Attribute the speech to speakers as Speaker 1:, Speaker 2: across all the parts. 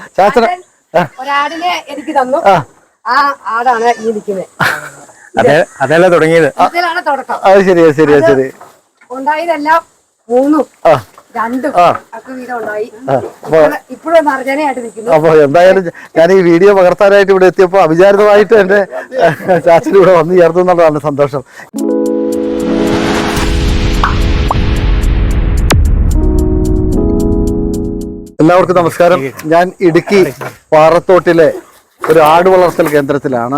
Speaker 1: ശാസ്ത്ര
Speaker 2: ഒരാടിനെ എനിക്ക് തന്നു. ആ ആടാണ് ഈ നിൽക്കുന്നത്.
Speaker 3: അതല്ല തുടങ്ങിയത്.
Speaker 2: ഇതിലാണ് തുടക്കം.
Speaker 1: അത് ശരി ശരി ശരി.
Speaker 2: ഉണ്ടായതെല്ലാം 3ഉം 2ഉം ഒക്കെ വീതം ഉണ്ടായി. ഇപ്പോഴും നർജനയായിട്ട് നിൽക്കുന്നു.
Speaker 1: അപ്പൊ എന്തായാലും ഞാൻ ഈ വീഡിയോ പകർത്താനായിട്ട് ഇവിടെ എത്തിയപ്പോ അവിചാരിതമായിട്ട് എന്റെ ചാച്ചൻ ഇവിടെ വന്നു ചേർന്നു എന്നുള്ളതാണ് സന്തോഷം. എല്ലാവർക്കും നമസ്കാരം. ഞാൻ ഇടുക്കി പാറത്തോട്ടിലെ ഒരു ആട് വളർത്തൽ കേന്ദ്രത്തിലാണ്.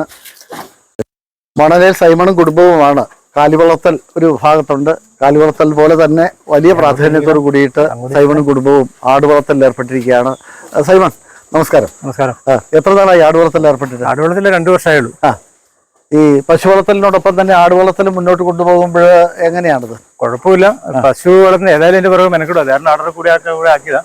Speaker 1: മണലേൽ സൈമണും കുടുംബവുമാണ് കാലിവളർത്തൽ ഒരു ഭാഗത്തുണ്ട്. കാലിവളർത്തൽ പോലെ തന്നെ വലിയ പ്രാധാന്യത്തോട് കൂടിയിട്ട് സൈമണും കുടുംബവും ആട് വളർത്തലിൽ ഏർപ്പെട്ടിരിക്കുകയാണ്. സൈമൺ നമസ്കാരം.
Speaker 3: നമസ്കാരം.
Speaker 1: എത്ര നാളായി ആട് വളർത്തലിൽ ഏർപ്പെട്ടിട്ട്?
Speaker 3: ആട് വളർത്തൽ 2 വർഷമായുള്ളൂ.
Speaker 1: ഈ പശു വളർത്തലിനോടൊപ്പം തന്നെ ആട് വളർത്തൽ മുന്നോട്ട് കൊണ്ടുപോകുമ്പോൾ എങ്ങനെയാണത്?
Speaker 3: കുഴപ്പമില്ല. പശു വളർത്തുന്ന ഏതായാലും എന്റെ പുറകെ മെനക്കിടും. അതായിരുന്നു ആടറെ കൂടെ ആക്കിയതാ.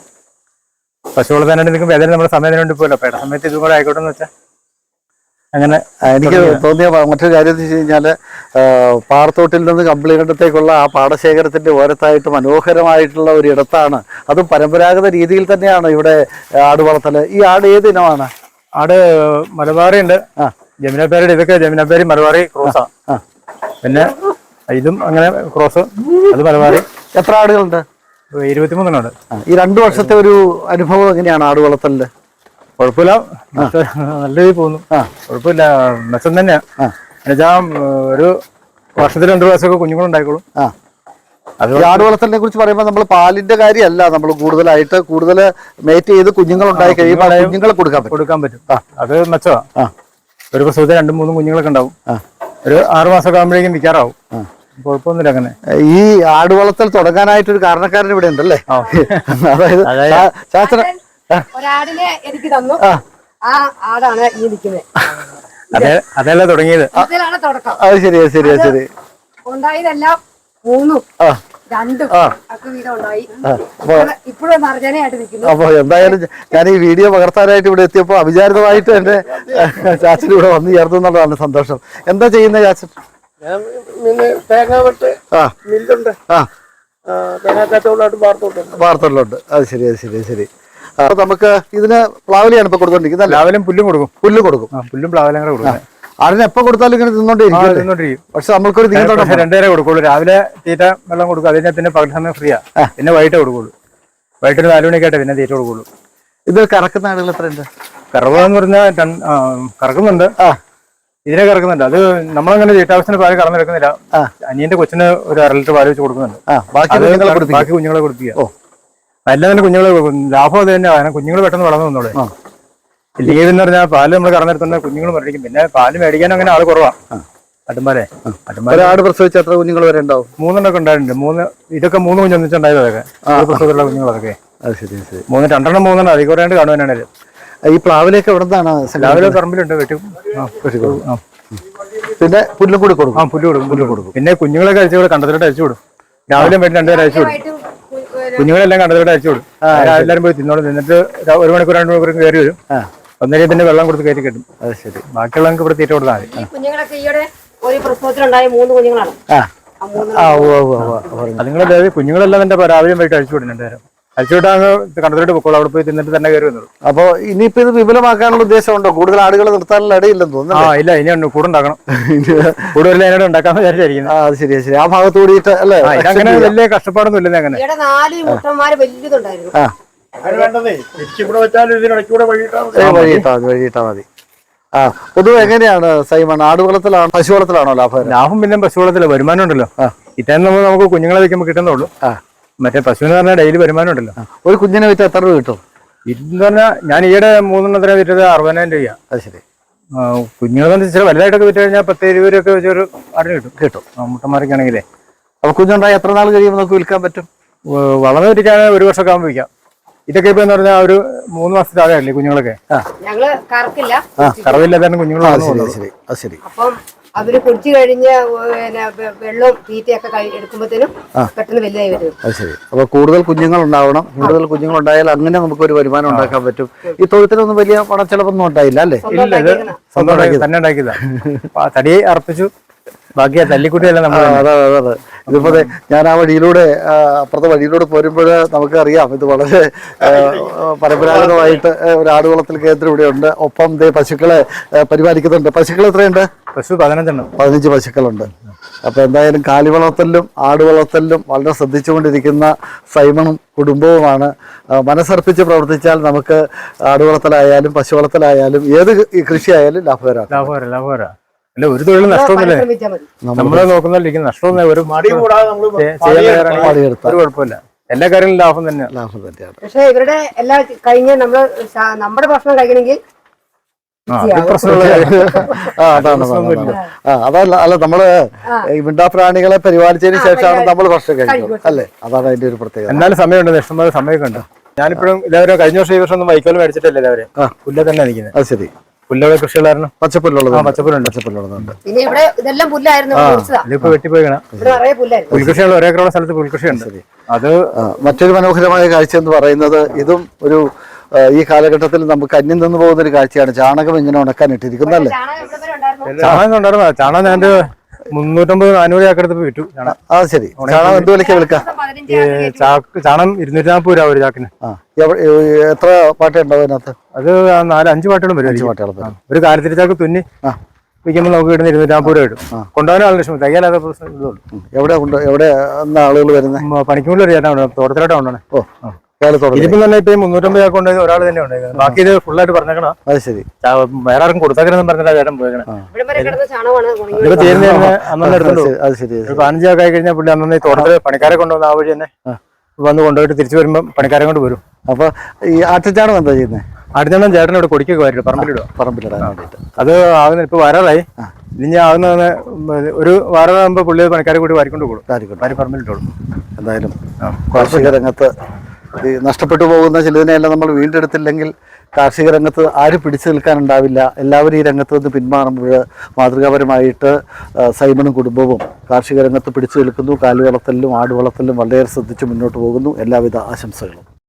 Speaker 3: പശു വളർത്താനായിട്ട് നിൽക്കുമ്പോൾ ഏതായാലും നമ്മുടെ സമയത്തിന് വേണ്ടി പോയല്ലോ. പേട സമയത്ത് ഇതും കൂടെ ആയിക്കോട്ടെ എന്ന് വെച്ചാൽ അങ്ങനെ. എനിക്ക്
Speaker 1: തോന്നിയ മറ്റൊരു കാര്യം എന്ന് വെച്ച് കഴിഞ്ഞാല് പാറത്തോട്ടിൽ നിന്ന് കമ്പിളികണ്ടത്തേക്കുള്ള ആ പാടശേഖരത്തിന്റെ ഓരത്തായിട്ട് മനോഹരമായിട്ടുള്ള ഒരു ഇടത്താണ്. അതും പരമ്പരാഗത രീതിയിൽ തന്നെയാണ് ഇവിടെ ആട് വളർത്തല്. ഈ ആട് ഏത് ഇനമാണ്?
Speaker 3: ആട് മലബാറി ഉണ്ട്, ജമുനാപ്പേരി. ഇതൊക്കെ ജമുനാപ്പേരി മലബാറി ക്രോസാ. പിന്നെ ഇതും അങ്ങനെ ക്രോസ്, അത് മലബാറി.
Speaker 1: എത്ര ആടുകളുണ്ട്?
Speaker 3: 23
Speaker 1: ഈ 2 വർഷത്തെ ഒരു അനുഭവം എങ്ങനെയാണ് ആട് വളർത്തലില്?
Speaker 3: കുഴപ്പമില്ല, നല്ല രീതിയിൽ പോകുന്നു. കുഴപ്പമില്ല, മെച്ചം തന്നെയാ. എന്നുവെച്ചാൽ ഒരു വർഷത്തിൽ 2 പ്രാവശ്യമൊക്കെ കുഞ്ഞുങ്ങളുണ്ടായിക്കോളും.
Speaker 1: അത് ആട് വളർത്തലിനെ കുറിച്ച് പറയുമ്പോൾ നമ്മൾ പാലിന്റെ കാര്യമല്ല, നമ്മൾ കൂടുതൽ മേറ്റ് ചെയ്ത് കുഞ്ഞുങ്ങൾ ഉണ്ടായി കഴിയുമ്പോൾ കുഞ്ഞുങ്ങളെ കൊടുക്കാൻ പറ്റും.
Speaker 3: അത് മെച്ചമാ. ഒരു പ്രസവത്തിൽ 2-3 കുഞ്ഞുങ്ങളൊക്കെ ഉണ്ടാവും. ഒരു 6 മാസമൊക്കെ ആകുമ്പോഴേക്കും വിൽക്കാറാവും. കുഴപ്പമൊന്നുമില്ല. അങ്ങനെ
Speaker 1: ഈ ആട് വളർത്തൽ തുടങ്ങാനായിട്ടൊരു കാരണക്കാരൻ ഇവിടെ ഉണ്ടല്ലേ? അതായത് ശാസ്ത്ര
Speaker 2: ഒരാടിനെ എനിക്ക് തന്നു. ആ ആടാണ് ഈ നിൽക്കുന്നത്.
Speaker 3: അതല്ല തുടങ്ങിയത്.
Speaker 2: ഇതിലാണ് തുടക്കം.
Speaker 1: അത് ശരി ശരി ശരി.
Speaker 2: ഉണ്ടായതെല്ലാം 3ഉം 2ഉം ഒക്കെ വീതം ഉണ്ടായി. ഇപ്പോഴും നർജനയായിട്ട് നിൽക്കുന്നു.
Speaker 1: അപ്പൊ എന്തായാലും ഞാൻ ഈ വീഡിയോ പകർത്താനായിട്ട് ഇവിടെ എത്തിയപ്പോ അവിചാരിതമായിട്ട് എന്റെ ചാച്ചൻ ഇവിടെ വന്നു ചേർന്നു എന്നുള്ളതാണ് സന്തോഷം. എന്താ ചെയ്യുന്നത് ചാച്ചൻ?
Speaker 4: തേങ്ങാവെട്ട് മില്ലുണ്ട്, തേങ്ങാക്കച്ചവടമായിട്ട്
Speaker 1: വാർത്തകളിലുണ്ട്. അത് ശരി ശരി ശരി. അപ്പൊ നമുക്ക് ഇതിന് പ്ലാവിലെയാണ് ഇപ്പൊ കൊടുത്തോണ്ടിരിക്കുന്നത്.
Speaker 3: രാവിലെ പുല്ലും കൊടുക്കും. പുല്ലും പ്ലാവിലും കൂടെ കൊടുക്കും.
Speaker 1: അതിന് എപ്പോ കൊടുത്താലും ഇങ്ങനെ തിന്നോണ്ടിരിക്കും. പക്ഷെ നമ്മൾക്കൊരു
Speaker 3: 2 നേരം കൊടുക്കുള്ളൂ. രാവിലെ തീറ്റ വെള്ളം കൊടുക്കും. അതിനെ പിന്നെ പകൽ സമയം ഫ്രീയാ. പിന്നെ വൈകിട്ട് കൊടുക്കുള്ളൂ. വൈകിട്ട് 4 മണിക്കായിട്ട് പിന്നെ തീറ്റ കൊടുക്കുള്ളൂ.
Speaker 1: ഇത് കറക്കുന്ന ആളുകൾ എത്രയുണ്ട്?
Speaker 3: കറവെന്ന് പറഞ്ഞാൽ കറക്കുന്നുണ്ട്. ഇതിനെ കറക്കുന്നുണ്ട്. അത് നമ്മളങ്ങനെ തീറ്റാവശ്യത്തിന് പാല് കറന്നെടുക്കുന്നില്ല. അനിയന്റെ കൊച്ചിന് ഒരു 1/2 ലിറ്റർ പാല് വെച്ച് കൊടുക്കുന്നുണ്ട്. ബാക്കി കുഞ്ഞുങ്ങളെ കൊടുപ്പിക്കുക. എല്ലാം തന്നെ കുഞ്ഞുങ്ങളെ കൊടുക്കും. ലാഭം അത് തന്നെയാണ്. കാരണം കുഞ്ഞുങ്ങൾ പെട്ടെന്ന് വളർന്നു വന്നോളെ. ലീവ് എന്ന് പറഞ്ഞാൽ പാല് നമ്മൾ കറന്നെടുത്തുന്ന കുഞ്ഞുങ്ങൾ മേടിക്കും. പിന്നെ പാല് മേടിക്കാൻ അങ്ങനെ ആള് കുറവാ. അട്ടുമ്പാലെ
Speaker 1: ആട് പ്രസവിച്ച എത്ര കുഞ്ഞുങ്ങൾ വരെ ഉണ്ടാവും?
Speaker 3: 3 ഒക്കെ ഉണ്ടായിട്ടുണ്ട്. ഇതൊക്കെ 3 കുഞ്ഞ് ഒന്നിച്ചുണ്ടായത്. അതൊക്കെ പ്രസവത്തിലുള്ള കുഞ്ഞുങ്ങളൊക്കെ 2 3 അധികം കുറയാണ്ട് കാണുവാനാണ്.
Speaker 1: ഈ പ്ലാവിലേക്ക് എവിടെ നിന്നാണ്?
Speaker 3: രാവിലെ പറമ്പിലുണ്ട്, വെട്ടും.
Speaker 1: പിന്നെ പുല്ലും കൂടി കൊടുക്കും.
Speaker 3: പുല്ല് കൊടുക്കും. പിന്നെ കുഞ്ഞുങ്ങളൊക്കെ അയച്ചു കണ്ടത്തിലോട്ട് അയച്ചു വിടും. രാവിലെ വീട്ടിൽ 2 പേര് അയച്ചു വിടും. കുഞ്ഞുങ്ങളെല്ലാം കണ്ടത്തിലോട്ട് അയച്ചു വിടും. എല്ലാവരും പോയി തിന്നോളും. നിന്നിട്ട് 1 മണിക്കൂർ 2 മണിക്കൂർ കയറി വരും. ഒന്നര പിന്നെ വെള്ളം കൊടുത്ത് കയറ്റി കിട്ടും. അത് ശരി. ബാക്കിയുള്ളവർക്ക് ഇവിടെ തീറ്റ കൊടുത്താൽ മതി.
Speaker 2: കുഞ്ഞുങ്ങളൊക്കെ ഈയിടെ ഒരു പ്രസവത്തിലുണ്ടായ 3 കുഞ്ഞുങ്ങളാണ്.
Speaker 3: അതുങ്ങളെ കുഞ്ഞുങ്ങളെല്ലാം എന്റെ രാവിലെ പോയിട്ട് അഴിച്ചു വിടും. 2 നേരം അഴിച്ചു വിട്ടാൽ കണ്ടത്തിലോട്ട് പൊക്കോളൂ. അവിടെ പോയി തിന്നിട്ട് തന്നെ കയറി വന്നോളൂ.
Speaker 1: അപ്പൊ ഇനിയിപ്പോ ഇത് വിപുലമാക്കാനുള്ള ഉദ്ദേശമുണ്ടോ? കൂടുതൽ ആടുകളെ നിർത്താനുള്ള ഇടയില്ലെന്ന് തോന്നുന്നു.
Speaker 3: ഇല്ല, ഇനി കൂടുണ്ടാക്കണം. കൂടുതൽ അതിനോട് ഉണ്ടാക്കാന്ന് വിചാരിച്ചിരിക്കുന്നു.
Speaker 1: അത് ശരി ശരി. ആ ഭാഗത്ത് കൂടിയിട്ട് അല്ലേ?
Speaker 3: അങ്ങനെ വലിയ കഷ്ടപ്പാടൊന്നും ഇല്ലെന്ന്. അങ്ങനെ
Speaker 2: 4 മുട്ടന്മാര് വലിയതുണ്ടായിരുന്നു.
Speaker 1: വഴിയിട്ടാ മതി. പൊതുവെ എങ്ങനെയാണ് സൈമൺ, ആട് വളർത്തലാണോ പശു വളർത്തലാണോ ലാഭം?
Speaker 3: ലാഭം പിന്നെ പശു വളർത്തല. വരുമാനം ഉണ്ടല്ലോ. ഇറ്റാൻ നമുക്ക് കുഞ്ഞുങ്ങളെ വെക്കുമ്പോൾ കിട്ടുന്നുള്ളൂ. മറ്റേ പശുവിന് പറഞ്ഞാൽ ഡെയിലി വരുമാനം ഉണ്ടല്ലോ.
Speaker 1: ഒരു കുഞ്ഞിനെ വിറ്റ് എത്ര രൂപ കിട്ടും?
Speaker 3: ഇതെന്ന് പറഞ്ഞാൽ ഞാൻ ഈയിടെ 3 വിറ്റത് 60,000 രൂപ. അത് ശരി. കുഞ്ഞുങ്ങളെ ഇച്ചിരി വലുതായിട്ടൊക്കെ വിറ്റ് കഴിഞ്ഞാൽ 10-20 രൂപയൊക്കെ വെച്ചൊരു ആടിന് കിട്ടും. മുട്ടന്മാരൊക്കെ ആണെങ്കിലേ.
Speaker 1: അപ്പൊ കുഞ്ഞുണ്ടായി എത്ര നാൾ കഴിയുമ്പോൾ നമുക്ക് വിൽക്കാൻ പറ്റും?
Speaker 3: വളർന്നു വിറ്റിക്കാൻ 1 വർഷമൊക്കെ ആകുമ്പോൾ വിൽക്കാം. ഇതൊക്കെ ഇപ്പൊ എന്ന് പറഞ്ഞാൽ ഒരു 3 മാസത്തിൽ ആകെയല്ലേ കുഞ്ഞുങ്ങളൊക്കെ. കറവില്ലാതെ കുഞ്ഞുങ്ങൾ.
Speaker 1: ശരി.
Speaker 2: അവര് കുടിച്ചു കഴിഞ്ഞ് വെള്ളവും തീറ്റയൊക്കെ എടുക്കുമ്പോഴത്തേനും പെട്ടെന്ന് വലുതായി വരും.
Speaker 1: അത് ശരി. അപ്പൊ കൂടുതൽ കുഞ്ഞുങ്ങൾ ഉണ്ടാവണം. കൂടുതൽ കുഞ്ഞുങ്ങൾ ഉണ്ടായാൽ അങ്ങനെ നമുക്ക് ഒരു വരുമാനം ഉണ്ടാക്കാൻ പറ്റും. ഈ തൊഴുത്തിനൊന്നും വലിയ പണച്ചെലവൊന്നും ഉണ്ടായില്ല അല്ലേ?
Speaker 3: ഇല്ല, ഇത് സ്വന്തം തന്നെ ഉണ്ടാക്കിയതാ. തടി അർപ്പിച്ചു. ബാക്കി തല്ലിക്കുട്ടിയെല്ലാം നമ്മൾ
Speaker 1: അതെ അതെ അതെ. ഇതിപ്പോ ഞാൻ ആ വഴിയിലൂടെ അപ്പുറത്തെ വഴിയിലൂടെ പോരുമ്പോൾ നമുക്കറിയാം ഇത് വളരെ പരമ്പരാഗതമായിട്ട് ഒരു ആട് വളർത്തൽ കേന്ദ്രം ഇവിടെ ഉണ്ട്. ഒപ്പം പശുക്കളെ പരിപാലിക്കുന്നുണ്ട്. പശുക്കൾ എത്രയുണ്ട്?
Speaker 3: പശു 15
Speaker 1: പശുക്കളുണ്ട്. അപ്പൊ എന്തായാലും കാലി വളർത്തലിലും ആട് വളർത്തലിലും വളരെ ശ്രദ്ധിച്ചുകൊണ്ടിരിക്കുന്ന സൈമണും കുടുംബവുമാണ്. മനസ്സർപ്പിച്ച് പ്രവർത്തിച്ചാൽ നമുക്ക് ആട് വളർത്തലായാലും പശു വളർത്തലായാലും ഏത് കൃഷിയായാലും ലാഭകരമാണ്.
Speaker 3: അല്ല, ഒരു തൊഴിലും നഷ്ടമൊന്നുമില്ല.
Speaker 2: ശ്രമിച്ചാൽ മതി.
Speaker 3: നമ്മളെ നോക്കുന്നില്ല, നഷ്ടമൊന്നും ഒരു
Speaker 4: മടി കൂടാതെ നമ്മള്
Speaker 3: ഒരു കുഴപ്പമില്ല. എല്ലാ കാര്യങ്ങളും ലാഭം തന്നെയാണ്.
Speaker 2: പക്ഷെ ഇവരുടെ എല്ലാ കഴിഞ്ഞ് നമ്മുടെ ഭക്ഷണം കഴിക്കണമെങ്കിൽ
Speaker 1: അതല്ല അല്ല നമ്മള് ഈ മിണ്ടാപ്രാണികളെ പരിപാലിച്ചതിന് ശേഷമാണ് നമ്മൾ ഭക്ഷണം കഴിക്കുന്നത് അല്ലേ? അതാണ് അതിന്റെ ഒരു പ്രത്യേകത.
Speaker 3: എന്നാലും സമയമുണ്ട്, ഇഷ്ടംപോലെ സമയമൊക്കെ ഉണ്ട്. ഞാനിപ്പോഴും എല്ലാവരും കഴിഞ്ഞ വർഷം ഈ വർഷം ഒന്നും വൈക്കോൽ മേടിച്ചിട്ടില്ല. എല്ലാവരും പുല്ല തന്നെ നിൽക്കുന്നത്.
Speaker 1: അത് ശരി.
Speaker 3: പുല്ലുള്ള കൃഷികളായിരുന്നു.
Speaker 1: പച്ചപ്പുല്ലുള്ളത്
Speaker 3: പച്ചപ്പുല്ലുണ്ട്.
Speaker 2: പിന്നെ ഇവിടെ ഇതെല്ലാം പുല്ലായിരുന്നു.
Speaker 3: ഇതിപ്പോ വെട്ടിപ്പോയിക്കണം. പുൽകൃഷിയുള്ള ഒരേക്കറുള്ള സ്ഥലത്ത് പുൽകൃഷിയുണ്ട്. അത്
Speaker 1: മറ്റൊരു മനോഹരമായ കാഴ്ച എന്ന് പറയുന്നത് ഇതും ഒരു ഈ കാലഘട്ടത്തിൽ നമുക്ക് അന്യം നിന്ന് പോകുന്ന ഒരു കാഴ്ചയാണ്. ചാണകം ഇങ്ങനെ ഉണക്കാൻ ഇട്ടിരിക്കുന്നല്ലേ?
Speaker 3: ചാണകം ഉണ്ടായിരുന്നു. ചാണകം ഞാൻ 350-400 ചാക്കെടുത്ത് വിറ്റു.
Speaker 1: അത് ശരി. ചാണകം എന്ത് വിലക്കാ വിൽക്കാം?
Speaker 3: ചാണകം 240 രൂപ ഒരു ചാക്കിന്.
Speaker 1: എത്ര പാട്ടുണ്ടാവും അതിനകത്ത്?
Speaker 3: അത് 4-5 പാട്ടുകളും വരും.
Speaker 1: 5 പാട്ടുകൾ.
Speaker 3: ഒരു കാലത്തിരിച്ചാക്ക് തുന്നി വിൽക്കുമ്പോൾ നമുക്ക് കിട്ടുന്ന 240 രൂപ കിട്ടും. കൊണ്ടുപോകാൻ ആളുടെ ഇഷ്ടം, തയ്യാലാത്ത പ്രശ്നം.
Speaker 1: എവിടെ ആളുകൾ വരുന്നത്?
Speaker 3: പണിക്കുമ്പോൾ ഒരു ചേട്ടാ തോട്ടത്തിലോട്ടാ കൊണ്ടാണ്.
Speaker 1: ഇതിപ്പം
Speaker 3: തന്നെ ഇപ്പൊ 350 ചാക്ക് ഉണ്ടായത് ഒരാൾ തന്നെ ഉണ്ടായത്. ബാക്കി ഇത് ഫുള്ളായിട്ട് പറഞ്ഞേക്കണം.
Speaker 1: അത് ശരി.
Speaker 3: വേറെ ആർക്കും കൊടുത്തേക്കണെന്ന് പറഞ്ഞിട്ട് ചേട്ടൻ പോയേക്കണം. ഇതിപ്പോ തീരുന്ന അന്നെ എടുത്തുള്ളൂ.
Speaker 1: അത് ശരി.
Speaker 3: 15 ചാക്ക് ആയി കഴിഞ്ഞാൽ പുള്ളി അന്നെ തോട്ടത്തില് പണിക്കാരെ കൊണ്ടുവന്ന ആ വഴി തന്നെ വന്ന് കൊണ്ടുപോയിട്ട് തിരിച്ചു വരുമ്പോൾ പണിക്കാരെ കൊണ്ട് വരും.
Speaker 1: അപ്പൊ ഈ ആട്ടുചാണം എന്താ ചെയ്യുന്നത്?
Speaker 3: ആട്ടുചാണം ചേട്ടൻ ഇവിടെ കൊടിക്കൊക്കെ വരും,
Speaker 1: പറമ്പിലിടാൻ വേണ്ടിട്ട്.
Speaker 3: അത് ആകുന്ന ഇപ്പൊ വരാറായി. ഇനി ആകുന്ന ഒരു വാരമാകുമ്പോ പുള്ളി പണിക്കാരെ കൂടി വാരിക്കൊണ്ട് കൊടുക്കും. പറമ്പിലിട്ടോളും.
Speaker 1: എന്തായാലും കാർഷിക രംഗത്ത് ഈ നഷ്ടപ്പെട്ടു പോകുന്ന ചിലതിനെയെല്ലാം നമ്മൾ വീണ്ടെടുത്തില്ലെങ്കിൽ കാർഷിക രംഗത്ത് ആരും പിടിച്ചു നിൽക്കാനുണ്ടാവില്ല. എല്ലാവരും ഈ രംഗത്ത് നിന്ന് പിന്മാറുമ്പോൾ മാതൃകാപരമായിട്ട് സൈമണും കുടുംബവും കാർഷിക രംഗത്ത് പിടിച്ചു നിൽക്കുന്നു. കാലി വളർത്തലിലും ആട് വളർത്തലിലും വളരെയേറെ ശ്രദ്ധിച്ച് മുന്നോട്ട് പോകുന്നു. എല്ലാവിധ ആശംസകളും.